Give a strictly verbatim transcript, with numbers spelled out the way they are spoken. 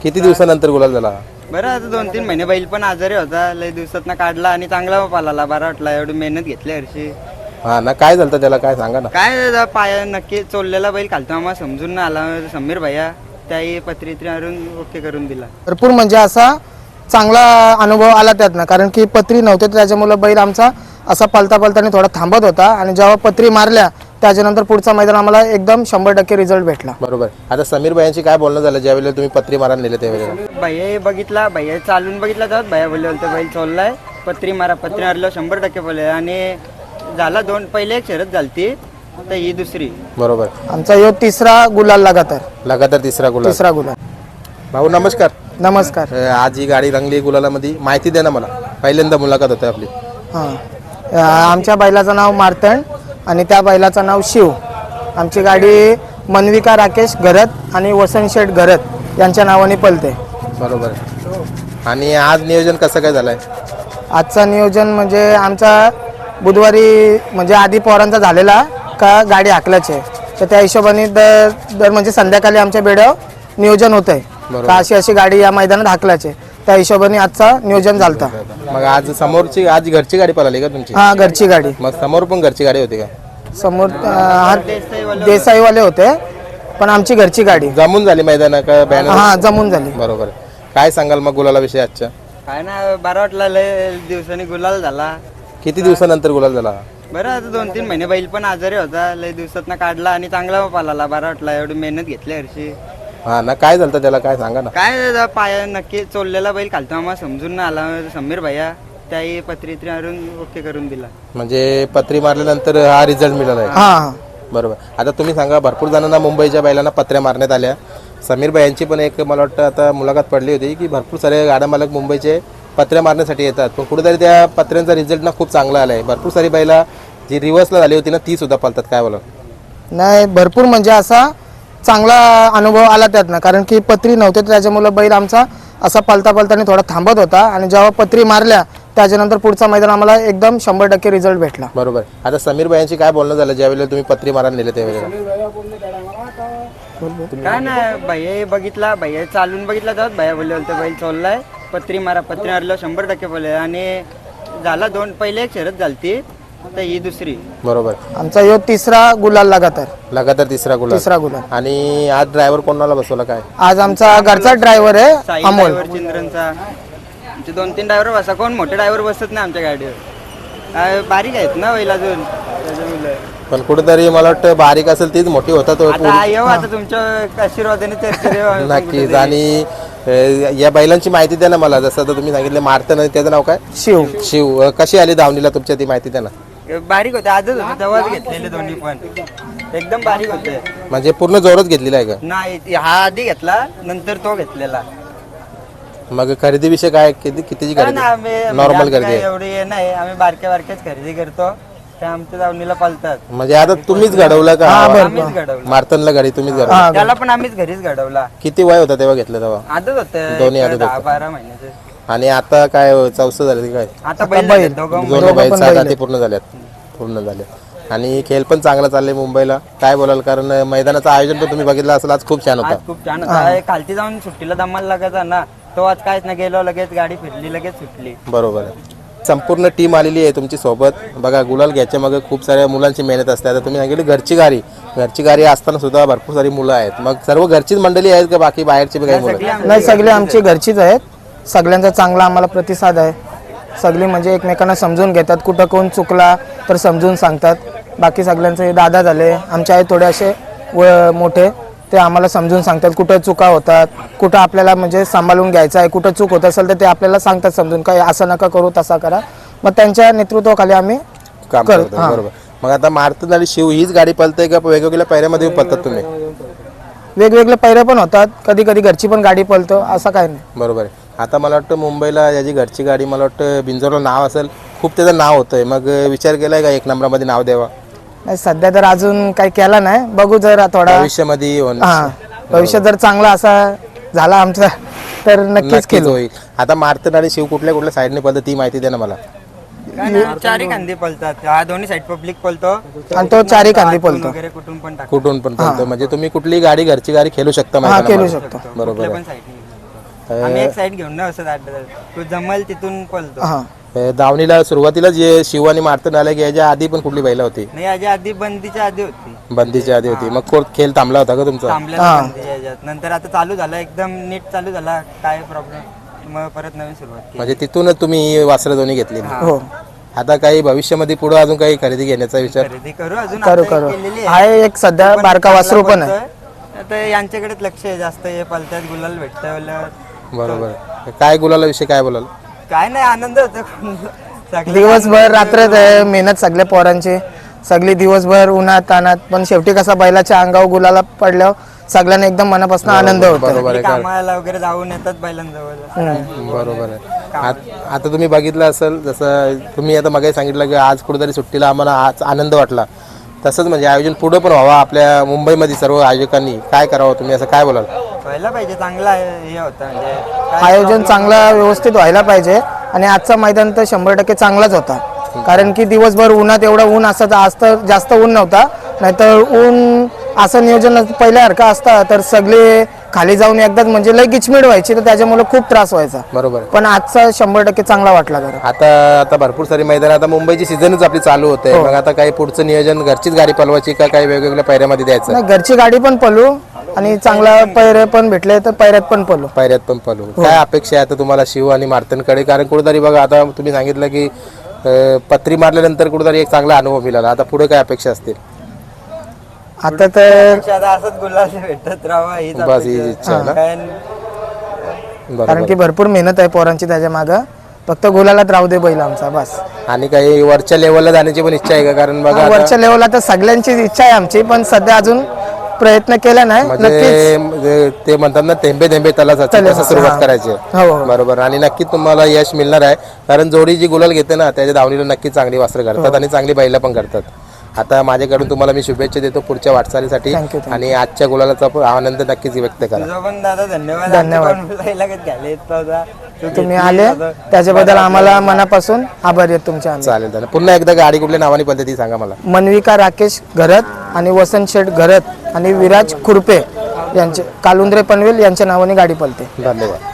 किती दिवसानंतर गुलाल झाला? बरं आता दोन तीन महिने बैल पण आजारी होता, लय दिवसात काढला आणि चांगला पाला बरा वाटला. एवढी मेहनत घेतली हरशी. हा ना, काय झालं त्याला काय सांगा ना. काय पाया नक्की चोरलेला बैल खालतो आम्हाला समजून ना आला. समीर भैया त्याही पत्रित्री आणून ओके करून दिला. भरपूर म्हणजे असा चांगला अनुभव आला त्यातनं, कारण की पत्री नव्हते त्याच्यामुळे बैल आमचा असा पलता पलताने थोडा थांबत होता आणि जेव्हा पत्री मारल्या त्याच्यानंतर पुढचा मैदान आम्हाला एकदम शंभर टक्के रिझल्ट भेटला. बरोबर. आता समीर भैयांची काय बोलणं झालं ज्यावेळेला तुम्ही पत्री मारायला नेले त्यावेळेला? भैया बघितला, भैया चालून बघितला तर भैया बोलले होते बैल चोरलाय, पत्री मारा. पत्री मारलं शंभर टक्के बोलले आणि झाला दोन पहिले एक शरद झालती तर ही दुसरी. बरोबर. आमचा यो तिसरा गुलाल लगातार लगातार तिसरा गुलाल. तिसरा गुलाल. भाऊ नमस्कार. नमस्कार. अ, आज ही गाडी रंगली गुलालामध्ये, माहिती द्या ना मला. पहिल्यांदा मुलाखत होते आपली. हां, आमच्या बैलाचं नाव मार्तंड आणि त्या बैलाचं नाव शिव. आमची गाडी मनविका राकेश घरत आणि वसंत शेठ घरत यांच्या नावाने पलते. बरोबर. आणि आज नियोजन कसं काय झालंय? आजचं नियोजन म्हणजे आमचा बुधवारी म्हणजे आधी पोरांचा झालेला का गाडी हाकल्याचे, तर त्या हिशोबाने दर दर म्हणजे संध्याकाळी आमच्या बेड्यावर नियोजन होतंय का अशी अशी गाडी या मैदानात हाकल्याचे, त्या हिशोबाने आजचा नियोजन झालता. मग आज समोरची आज घरची गाडी पळाली का तुमची? हा, घरची गाडी. मग समोर पण घरची गाडी होती का? समोर हा देसाईवाले होते पण आमची घरची गाडी जमून झाली मैदान का बॅनर? हा, जमून झाली. बरोबर. काय सांगाल मग गुलाला विषयी आजच्या? काय ना बरा वाटला, लय दिवसांनी गुलाल झाला. किती दिवसानंतर गुलाल झाला? बरं आता दोन तीन महिने बैल पण आजारी होता, लय दिवसात काढला आणि चांगला पाला बरा वाटला. एवढी मेहनत घेतली हरशी. हा ना, काय झालं त्याला काय सांगा ना. काय पाया नक्की चोरलेला बैल खालतो आम्हाला समजून ना आला. समीर भैया त्याही पत्रित्री आणून ओके करून दिला. म्हणजे पत्री मारल्यानंतर हा रिझल्ट मिळाला आहे. हा, बरोबर. आता तुम्ही सांगा, भरपूर जणांना मुंबईच्या बैलांना पत्र्या मारण्यात आल्या. समीर भैयांची पण एक मला वाटतं आता मुलाखत पडली होती की भरपूर सारे गाड्या मालक मुंबईचे पत्र्या मारण्यासाठी येतात, पण कुठेतरी त्या पत्र्यांचा रिझल्ट ना खूप चांगला आला आहे. भरपूर सारी बैला जी रिव्हर्सला झाली होती ना ती सुद्धा पळतात. काय बोला? नाही, भरपूर म्हणजे असा चांगला अनुभव आला त्यातनं, कारण की पत्री नव्हते त्याच्यामुळे बैल आमचा असा पलता पलताने थोडा थांबत होता आणि जेव्हा पत्री मारल्या त्याच्यानंतर पुढचा मैदान आम्हाला एकदम शंभर टक्के रिझल्ट भेटला. बरोबर. आता समीर भैयांची काय बोलणं झालं ज्यावेळेला तुम्ही पत्री मारायला नेले त्यावेळेला? काय ना भैया बघितला, भैया चालून बघितला तर भैया बोलले होते बैल चोरलाय, पत्री मारा. पत्री मारलं शंभर टक्के बोलले आणि झाला दोन पहिले एक शरद झालती तर ही दुसरी. बरोबर. आमचा यो तिसरा गुलाल लगातार लगातार तिसरा गुलाल. तिसरा गुलाल. आणि आज ड्रायव्हर कोणाला बसवला काय? आज आमचा घरचा ड्रायव्हर आहे साई अमोल. ड्रायव्हर चिंद्रनचा. आमचे दोन तीन ड्रायव्हर बसा, कोण मोठे ड्रायव्हर बसत नाही आमच्या गाडीवर. काय बारीक आहेत ना बैल अजून त्याच्यामुळे. पण कुठेतरी मला वाटतं बारीक असेल तीच मोठी होतात. आता येऊ आता तुमच्या आशीर्वादाने चर्चेत नक्कीच. आणि अ, या बैलांची माहिती द्या ना मला. जसं आता तुम्ही सांगितलं मारतं, त्याचं नाव काय? शिव. शिव. कशी आली धावणीला तुमच्या, ती माहिती द्या ना. बारीक होते, आजच होते तेव्हाच घेतलेले दोन्ही पण एकदम बारीक होते. म्हणजे पूर्ण जोरच घेतलेला आहे का? नाही, हा आधी घेतला नंतर तो घेतलेला. मग खरेदी विषय काय? किती कितीची काय खरेदी? ना, आम्ही नॉर्मल म्हणजे खरेदी काय आहे. एवढी हे नाही, आम्ही बारक्या बारक्याच खरेदी करतो, त्या आमच्या दावणीला पालतात. म्हणजे आता तुम्हीच घडवलं का? आम्हीच घडवलं. मारतनला गाडी तुम्हीच घडवलं? हा, त्याला पण आम्हीच घरीच घडवला. किती वय होता तेव्हा घेतलं तेव्हा? आजच होते दोन्ही आदत दहा होते. बारा महिन्याचे. आणि आता काय चौसं झालं ते काय? आता बैल झाले दोघं. दोन बैल पण सात बैल आधी पूर्ण झाल्यात. पूर्ण झाले. आणि खेळ पण चांगला चाललंय मुंबईला. काय बोलाल? कारण मैदानाचं आयोजन पण तुम्ही बघितलं असेल, आज खूप छान होता. आज खूप छान होता. खालती जाऊन सुट्टीला दमाला लागायचा ना, तो आज काहीच ना गेलो, लगेच गाडी फिरली, लगेच सुटली. बरोबर आहे. संपूर्ण टीम आलेली आहे तुमची सोबत. बघा, गुलाल घ्यायच्या मागे खूप साऱ्या मुलांची मेहनत असते. आता तुम्ही सांगितली घरची गाडी, घरची गाडी असताना सुद्धा भरपूर सारी मुलं आहेत. मग सर्व घरचीच मंडळी आहेत का बाकी बाहेरची बी काही मुलं? नाही, सगळे आमची घरचीच आहेत. सगळ्यांचा चांगला आम्हाला प्रतिसाद आहे. सगळी म्हणजे एकमेकांना समजून घेतात, कुठं कोण चुकला तर समजून सांगतात. बाकी सगळ्यांचे दादा झाले आमचे आहेत थोडे असे व मोठे, ते आम्हाला समजून सांगतात कुठं चुका होतात, कुठं आपल्याला म्हणजे सांभाळून घ्यायचं आहे. कुठं चूक होत असेल तर ते आपल्याला सांगतात समजून, काय असं नका करू तसा करा. मग त्यांच्या नेतृत्वाखाली आम्ही काम करतो. बरोबर. मग आता मारतन आणि शिव हीच गाडी पळते का वेगवेगळ्या पायऱ्यामध्ये पळतात तुम्ही? वेगवेगळे पैरे पण होतात, कधी कधी घरची पण गाडी पळतो, असं काय नाही. बरोबर आहे. आता मला वाटतं मुंबईला याची घरची गाडी मला वाटतं बिंजोरला नाव असेल, खूप त्याचं नाव होतंय. मग विचार केलाय का एक नंबरामध्ये नाव द्यावा? नाही, सध्या तर अजून काही केला नाही, बघू जर थोडा भविष्यामध्ये होणार. हा, भविष्यात जर चांगला असा झाला आमचा तर नक्कीच नक्कीच केलं. होईल. आता मारतन आणि शिव कुठल्या कुठल्या साईडने पळतं ती माहिती द्या ना मला. चारी कांदी पळतात, हा दोन्ही साईड पब्लिक पळतो आणि तो चारी कांदी पळतो. वगैरे कुठून पण टाकतो. कुठून पण पळतो. म्हणजे तुम्ही कुठली गाडी घरची गाडी खेळू शकता हा, मैदानामध्ये. खेळू शकतो. बरोबर कुठल्या आहे. पण साईडने. आम्ही एक साईड घेऊन नाही असं दाट तू जमल तिथून पळतो. हां अ, दावणीला सुरुवातीला जे शिव आणि मारतन आले की याच्या आधी पण कुठली बैला होती? नाही याच्या आधी बंदीच्या आधी होती, बंदीच्या आधी होती. मग कोण खेळ थांबला होता का तुमचा? थांबलेला बंदीच्या याच्यात. नंतर आता चालू झाला एकदम नीट चालू झाला, काय प्रॉब्लेम मग परत नवीन सुरुवात केली. म्हणजे तिथूनच तुम्ही ही वासरं दोन्ही घेतली. हो आता काही भविष्यामध्ये पुढे अजून काही खरेदी घेण्याचा विचार? खरेदी करू अजून करू आता करू एक केलेली आहे एक सध्या पण बारका चांगला वासरू पण आहे. पळतोय. आता यांच्याकडेच लक्ष आहे जास्त, हे पलत्यात गुलाल भेटतंय बोलल्यावर. बरोबर. काय गुलाला विषय काय बोलाल? काय नाही आनंद होतो. सगळे दिवसभर रात्रच आहे मेहनत सगळ्या पोरांची, सगळी दिवसभर उन्हात तानात, पण शेवटी कसा बैलाच्या अंगावर गुलाला पडल्यावर सगळ्यांना एकदम मनापासून आनंद होतो. बरोबर आहे. कामाला वगैरे जाऊन येतात बैलांजवळ. बरोबर आहे. आत- आता तुम्ही बघितलं असेल जसं तुम्ही आता मगाही सांगितलं की आज कुठेतरी सुट्टीला आम्हाला आज आनंद वाटला, तसंच म्हणजे आयोजन पुढं पण व्हावं आपल्या मुंबईमध्ये सर्व आयोजकांनी काय करावं, तुम्ही असं काय बोलाल? व्हायला पाहिजे, चांगला हे होतं म्हणजे काय आयोजन चांगला व्यवस्थित व्हायला पाहिजे. आणि आजचा मैदान तर शंभर टक्के चांगलाच होता, कारण की दिवसभर उन्हात एवढं ऊन असायचं, आज तर जास्त ऊन नव्हता. नाहीतर ऊन असं नियोजन पहिल्यासारखं असतं तर सगळे खाली जाऊन एकदाच म्हणजे लय गिचमिड व्हायची, तर त्याच्यामुळे खूप त्रास व्हायचा. बरोबर आहे. पण आजचा शंभर टक्के चांगला वाटला जरा. आता आता भरपूर सारी मैदान, आता मुंबईची सीझनच आपली चालू होते. मग आता काही पुढचं नियोजन घरचीच गाडी पलवायची का काही वेगवेगळ्या पायऱ्यामध्ये द्यायचं? नाही, घरची गाडी पण पळू आणि चांगला पैरे पण भेटले तर पैऱ्यात पण पळू. पायऱ्यात पण पलू. काय अपेक्षा आहे आता तुम्हाला शिव आणि मार्तनकडे? कारण कुठेतरी बघा आता तुम्ही सांगितलं की अं, पत्री मारल्यानंतर कुठेतरी एक चांगला अनुभव मिळाला. आता पुढे काय अपेक्षा असतील? आता तर आता असंच गुलाल भेटत राहावा हीच बस हीच इच्छा आहे ना? काय बरोबर. कारण की भरपूर मेहनत आहे पोरांची त्याच्या मागं, फक्त गुलालात राहू दे बैल आमचा बस. आणि काही वरच्या लेवलला जाण्याची पण इच्छा आहे का? कारण बघा आता वरच्या लेवलला तर सगळ्यांची इच्छा आहे आमची, पण सध्या अजून प्रयत्न केला नाही. नक्कीच म्हणजे म्हणजे ते म्हणतात ना थेंबे थेंबे तलासाठी तसं सुरुवात करायची आहे. हो हो. बरोबर. आणि नक्की तुम्हाला यश मिळणार आहे, कारण जोडी जी गुलाल घेते ना त्याच्या धावणीला नक्की चांगली वासरं करतात आणि चांगली बैला पण करतात. आता माझ्याकडून तुम्हाला मी शुभेच्छा देतो पुढच्या वाटचालीसाठी. Thank you, thank you. आणि आजच्या गुलालाचा पण आनंद नक्कीच व्यक्त करा. तुझा पण दादा धन्यवाद. धन्यवाद. घ्यायला येत नव्हता तू तुम्ही घेतली आले आता. त्याच्याबद्दल आम्हाला मनापासून आभारी आहेत तुमचे आम्ही. चालेल चालेल. पुन्हा एकदा गाडी कुठल्या नावाने पडते ती सांगा मला. मनविका राकेश घरत आणि वसंत शेठ घरत आणि विराज खुरपे यांचे कालुंद्रे पनवेल यांच्या नावाने गाडी पळते. धन्यवाद.